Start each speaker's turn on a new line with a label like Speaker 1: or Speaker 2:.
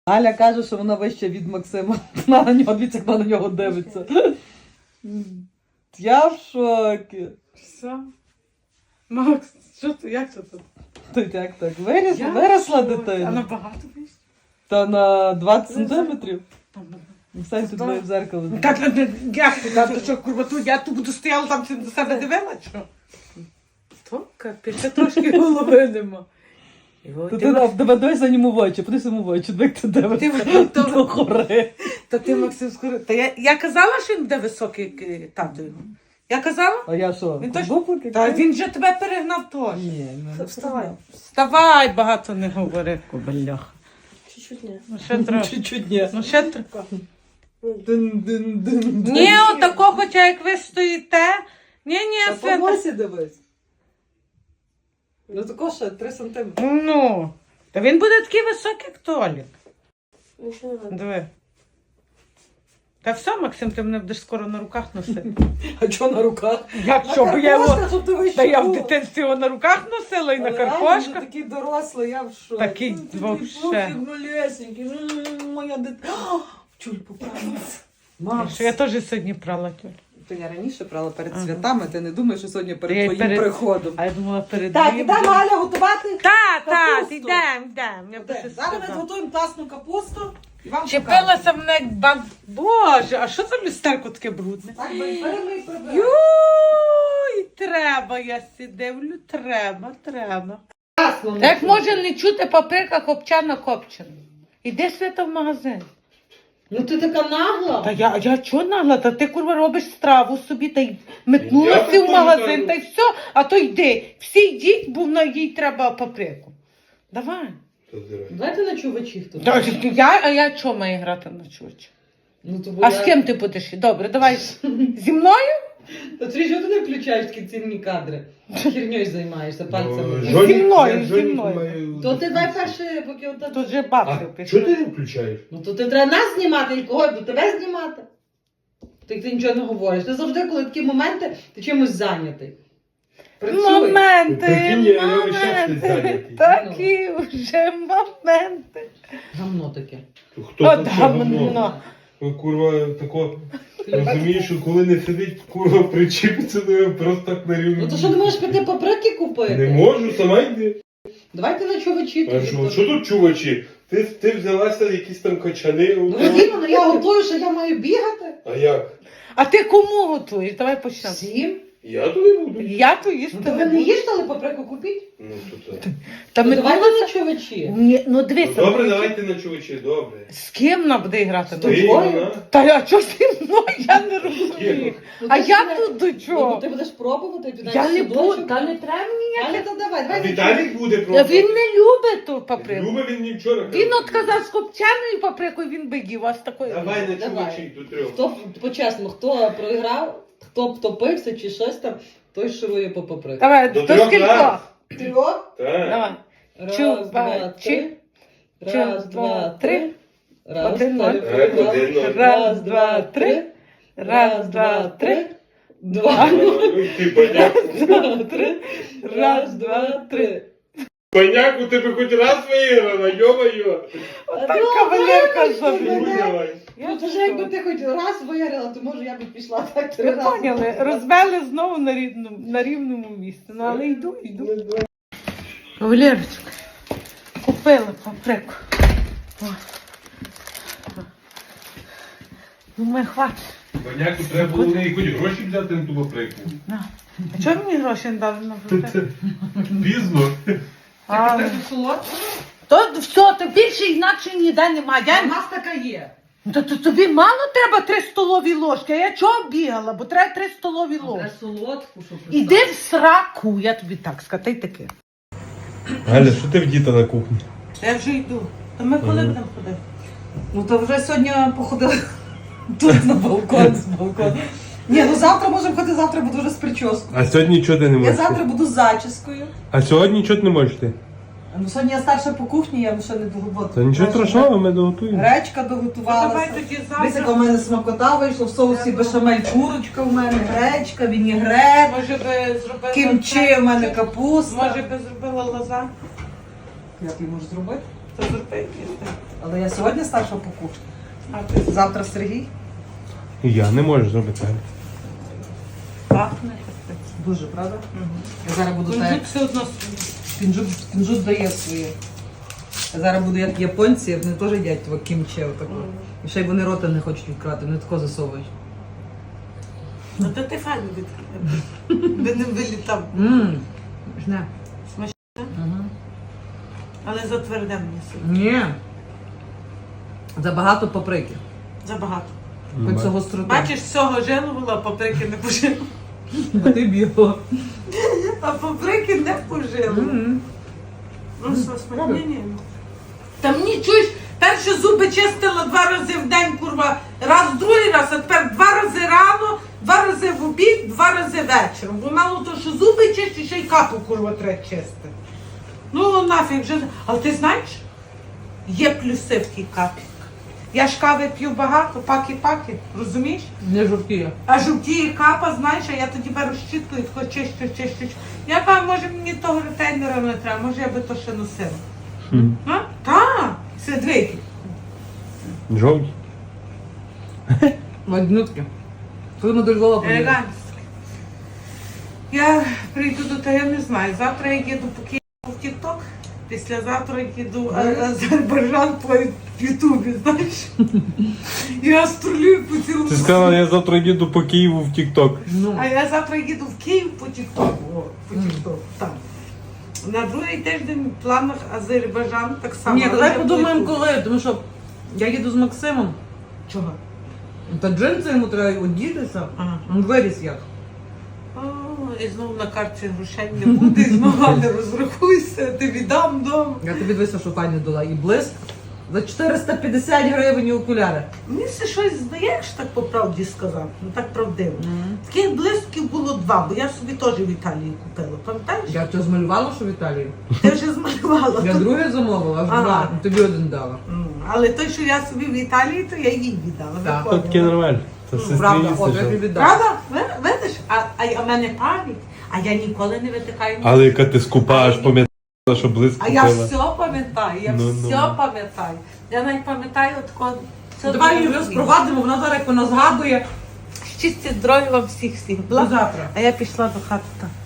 Speaker 1: Галя каже, що вона вища від Максима. Вона на нього, дивіться, як вона на нього дивиться. Я в шокі.
Speaker 2: Все. Макс, що ти, як це тут?
Speaker 1: Тут як так? Виросла дитина.
Speaker 2: А набагато вийшло?
Speaker 1: Та на 20 сантиметрів. Сань тут моє в зеркало.
Speaker 2: Так, як ти, ти що, курва, я тут буду стояла там, до себе дивила, що? То, капець, трошки голови нема.
Speaker 1: Дивись на ньому в очі, подивись йому в очі, як ти дивишся до гори.
Speaker 2: Та ти, Максим, скоро... Та я казала, що він буде високий тато його? Я казала?
Speaker 1: А я що?
Speaker 2: Він точно? Та він же тебе перегнав теж.
Speaker 1: Ні, не
Speaker 2: Вставай. Вставай, багато не говори, кобелях.
Speaker 3: Чуть-чуть не.
Speaker 2: Ну ще трохи.
Speaker 1: Чуть-чуть ні.
Speaker 2: Ну ще трохи.
Speaker 1: Дин-дин-дин.
Speaker 2: Ні, отако, хоча як ви стоїте. Ні,
Speaker 1: Та
Speaker 2: Свята.
Speaker 1: по носі дивись. Ну тако ще 3 сантиметри.
Speaker 2: Ну, та він буде такий високий, як Толік.
Speaker 3: Нічого не надо.
Speaker 2: Диви. Та все, Максим, ти мене будеш скоро на руках носити.
Speaker 1: А чого на руках?
Speaker 2: Як що, бо я його...
Speaker 1: щоб ти вийшов.
Speaker 2: Та я в дитинстві його на руках носила і на карпошках.
Speaker 1: Такий дорослий, я в шоці.
Speaker 2: Такий вовше.
Speaker 1: Малесенький. Моя дитина. Чуль поправилася. Макс.
Speaker 2: Що я теж сьогодні прала тюль.
Speaker 1: То я раніше брала перед святами, ти не думаєш, що сьогодні
Speaker 2: Я
Speaker 1: перед
Speaker 2: й
Speaker 1: твоїм
Speaker 2: перед-
Speaker 1: приходом.
Speaker 2: А я думала перед
Speaker 1: Так,
Speaker 2: ним.
Speaker 1: ідемо, Галя, готувати.
Speaker 2: Так,
Speaker 1: Капусту.
Speaker 2: ідемо. Я б щось
Speaker 1: Зараз ми
Speaker 2: сказала.
Speaker 1: зготуємо класну капусту і вам покажемо.
Speaker 2: Чепилася мене як бан... Боже, а що за люстерко таке брудне?
Speaker 1: Так, беремо і приберемо.
Speaker 2: Юй, треба, я сидивлю, треба.
Speaker 1: Класно.
Speaker 2: Як може не чути паприка копчана копчена? Іди, Свята, в магазин.
Speaker 1: Ну ти така нагла.
Speaker 2: Та я чого нагла? Та ти, курва, робиш страву собі та й
Speaker 4: Я
Speaker 2: метнулася в
Speaker 4: такого
Speaker 2: магазин
Speaker 4: не
Speaker 2: та й все, а то йди. Всі йдіть, бо на їй треба паприку. Давай.
Speaker 1: Давайте на чувачі хто.
Speaker 2: А я чого маю грати на чувачі?
Speaker 1: Ну, то
Speaker 2: А з ким ти будеш? Добре, давай. Зі мною?
Speaker 1: Та ти чого ти не включаєш такі цінні кадри? Херньою займаєшся пальцями.
Speaker 2: Зі мною.
Speaker 1: То ти дай перше, поки отак.
Speaker 2: Тут же
Speaker 4: А
Speaker 2: бабки
Speaker 4: чого ти
Speaker 2: пішли.
Speaker 4: не включаєш?
Speaker 1: Ну то ти треба нас знімати і кого, бо тебе знімати. Ти нічого не говориш. Ти завжди, коли такі моменти, ти чимось зайнятий. Працюй.
Speaker 2: Моменти,
Speaker 4: Прикинь, я весь час
Speaker 2: моменти,
Speaker 4: зайнятий.
Speaker 2: такі вже моменти.
Speaker 1: Гамно таке.
Speaker 4: Хто
Speaker 2: От
Speaker 4: це
Speaker 2: гамно.
Speaker 4: гамно? Ой, курва, тако, розумієш, що коли не сидить, курва, причіпиться до нього просто так на рівні.
Speaker 1: Ну то що не можеш піти паприки купити?
Speaker 4: Не можу, сама йди.
Speaker 1: Давайте на чувачі.
Speaker 4: А що тут чувачі? Ти взялася якісь там качани.
Speaker 1: Ну Вадима, я готую, що я маю бігати.
Speaker 4: А як?
Speaker 2: А ти кому готуєш? Давай почнемо.
Speaker 1: Всім.
Speaker 4: Я туди буду.
Speaker 2: Я то їсти
Speaker 1: Ну то ви
Speaker 2: не
Speaker 1: не
Speaker 2: буду.
Speaker 1: їжте, але паприку купіть.
Speaker 4: Ну, то це.
Speaker 2: Та
Speaker 1: Ну,
Speaker 2: ми
Speaker 1: давайте
Speaker 2: думали-
Speaker 1: на чувачі.
Speaker 2: Ні, ну дивися.
Speaker 4: Добре,
Speaker 2: ну,
Speaker 4: давайте на чувачі, добре.
Speaker 2: З ким вона буде грати?
Speaker 1: З
Speaker 4: Ти,
Speaker 1: тобою?
Speaker 4: вона?
Speaker 2: Та а чого зі мною? Я не розумію.
Speaker 1: Ну,
Speaker 2: А
Speaker 1: ти
Speaker 2: я
Speaker 1: ж
Speaker 2: тут до
Speaker 1: Ну,
Speaker 2: чого?
Speaker 1: ти будеш пробувати, ти
Speaker 2: Я не буду, та не треба мені.
Speaker 1: Галя, то давай,
Speaker 4: А
Speaker 1: давай.
Speaker 4: Віталік буде
Speaker 2: Та
Speaker 4: просто.
Speaker 2: він не любить ту паприку.
Speaker 4: Любить він мені вчора.
Speaker 2: Він
Speaker 4: казав.
Speaker 2: от казав з копченою паприкою, він би їв, а з такою.
Speaker 4: Давай на
Speaker 1: Давай.
Speaker 4: чувачі до трьох.
Speaker 1: Хто, по-чесному, хто програв, хто втопився чи щось там, той ширує по паприку.
Speaker 2: Давай,
Speaker 4: До
Speaker 2: до
Speaker 4: трьох
Speaker 2: скількох?
Speaker 4: раз.
Speaker 1: Трьох.
Speaker 4: Так.
Speaker 2: Давай.
Speaker 1: Раз,
Speaker 2: Чувачі.
Speaker 1: два, три. Раз, два, три. Раз,
Speaker 2: Один,
Speaker 1: два,
Speaker 2: ноль.
Speaker 1: три.
Speaker 4: Один, ноль.
Speaker 2: Раз, два, три. Раз, два, три.
Speaker 1: Два.
Speaker 4: Ти баняк.
Speaker 1: Два, три. Раз, два, три.
Speaker 4: Баняк, у тебе хоч раз виграла, йо-моє.
Speaker 2: Так кавалерка
Speaker 1: Ну,
Speaker 2: забила.
Speaker 4: Давай.
Speaker 1: Ну, то вже якби ти хоч раз виграла, то може я б пішла так 3
Speaker 2: Ви
Speaker 1: рази.
Speaker 2: поняли, розвели знову на рівному місці. Ну, але йду. Кавалерочка, купила паприку. Думаю, хватить.
Speaker 4: Баняку треба було в неї хоч гроші взяти на ту паприку.
Speaker 2: На. А чого мені гроші не дали на паприку?
Speaker 4: Пізно.
Speaker 2: А,
Speaker 1: солодко?
Speaker 2: то все, то більше інакше ніде немає.
Speaker 1: У нас така є.
Speaker 2: То тобі мало треба 3 столові ложки, а я чого бігала, бо треба 3 столові ложки.
Speaker 1: Треба солодку, щоб
Speaker 2: Іди в сраку, я тобі так скажу, та й таке.
Speaker 4: Галя, що ти в діта на кухні?
Speaker 2: Я вже йду. То ми коли будемо ходити?
Speaker 1: Ну то вже сьогодні походили тут на балкон, з балкону. Ні, ну завтра можемо ходити, завтра буду вже з прическою.
Speaker 4: А сьогодні нічого ти не
Speaker 1: Я
Speaker 4: можеш?
Speaker 1: завтра буду з зачіскою.
Speaker 4: А сьогодні нічого ти не можеш ти?
Speaker 1: Ну сьогодні я старша по кухні, я ще не догодувала.
Speaker 4: Та нічого страшного, ми доготуємо.
Speaker 1: Гречка
Speaker 2: Давай
Speaker 1: доготувалася.
Speaker 2: тоді
Speaker 1: Дивись, яка
Speaker 2: завтра.
Speaker 1: в мене смакота вийшла, в соусі бешамель курочка в мене, гречка, вінігрет,
Speaker 2: Може би зробила...
Speaker 1: кімчі в мене капуста.
Speaker 2: Може би зробила лазанью?
Speaker 1: Як її можеш зробити?
Speaker 2: То зроби якісь.
Speaker 1: Але я сьогодні старша по кухні.
Speaker 2: А ти
Speaker 1: Завтра Сергій.
Speaker 4: Я не можу зробити.
Speaker 2: пахне.
Speaker 1: Дуже, правда? Я зараз буду так.
Speaker 2: Кунжут все одно
Speaker 1: Кінжут дає своє. Я зараз буду як японці, вони теж їдять того кімче отако. І ще й вони рота не хочуть відкривати, вони тако засовують.
Speaker 2: Ну то ти файно відкрив. Би не вилітав.
Speaker 1: Жне.
Speaker 2: Смачне?
Speaker 1: Ага.
Speaker 2: Але затверде мені сьогодні.
Speaker 1: Ні. Забагато паприки.
Speaker 2: Забагато.
Speaker 1: Хоч цього гостроти.
Speaker 2: Бачиш, всього жилувала, а паприки не пожила.
Speaker 1: А ти б'єго.
Speaker 2: А паприки не пожила. Ну що, смачне? Ні. Та мені чуєш, перші зуби чистила 2 рази в день, курва, раз, другий раз, а тепер 2 рази рано, 2 рази в обід, 2 рази вечором. Бо мало то, що зуби чисті, ще й капу, курва, треба чистити. Ну, нафіг вже. Але ти знаєш, є плюси в тій капі. Я ж кави п'ю багато, паки-паки, розумієш?
Speaker 1: Не жовтіє.
Speaker 2: А жовтіє капа, знаєш, а я тоді беру щітку і тако чищу. Я кажу, може мені того ретейнера не треба, може я би то ще носила. А? Так, сидвики.
Speaker 4: Жовті.
Speaker 1: Маднютки. Будемо до Львова поїдемо.
Speaker 2: Елегантське. Я прийду до того, я не знаю. Завтра я їду по Києву в Тік-Ток, післязавтра їду в Азербайджан по Ютубі, знаєш. Я стрілюю по цілому.
Speaker 4: Ти сказала, я завтра їду по Києву в Тік-Ток.
Speaker 1: Ну,
Speaker 2: А я завтра їду в Київ по Тік-Току. О, по Тік-Току, так. На другий тиждень в планах Азербайджан так само.
Speaker 1: ні,
Speaker 2: але
Speaker 1: давай
Speaker 2: я
Speaker 1: подумаємо
Speaker 2: буду-
Speaker 1: коли, тому що я їду з Максимом.
Speaker 2: Чого?
Speaker 1: Та джинси йому треба одітися.
Speaker 2: Ага.
Speaker 1: Він виріс як.
Speaker 2: О, і знову на карті грошей не буде, і знову не розрахуйся, ти віддам дом.
Speaker 1: Я тобі дивися, що пані дала. І блиск. За 450 гривень і окуляри.
Speaker 2: Мені все щось здаєш, так по правді сказати, ну так правдиво. Таких блисків було 2, бо я собі теж в Італії купила, пам'ятаєш?
Speaker 1: Я тебе змалювала, що в Італії.
Speaker 2: Ти вже змалювала.
Speaker 1: Я друге замовила, аж
Speaker 2: Ага.
Speaker 1: 2. Тобі один дала.
Speaker 2: Але той, що я собі в Італії, то я їй віддала.
Speaker 1: Так.
Speaker 2: Виходила.
Speaker 4: Таке нормально. Це все
Speaker 1: Правда, от я
Speaker 4: стріліться.
Speaker 1: тобі віддала.
Speaker 2: Правда? Видиш? А в мене пам'ять. А я ніколи не витикаю.
Speaker 4: Але яка ти скупа, аж пам'ятала, що близько
Speaker 2: А я
Speaker 4: купила.
Speaker 2: все пам'ятаю, я
Speaker 4: Ну,
Speaker 2: все пам'ятаю. Я навіть пам'ятаю такого.
Speaker 1: Давай її розпровадимо, вона зараз як вона згадує.
Speaker 2: Щастя, здоров'я вам всіх.
Speaker 1: До завтра.
Speaker 2: А я пішла до хати. Так.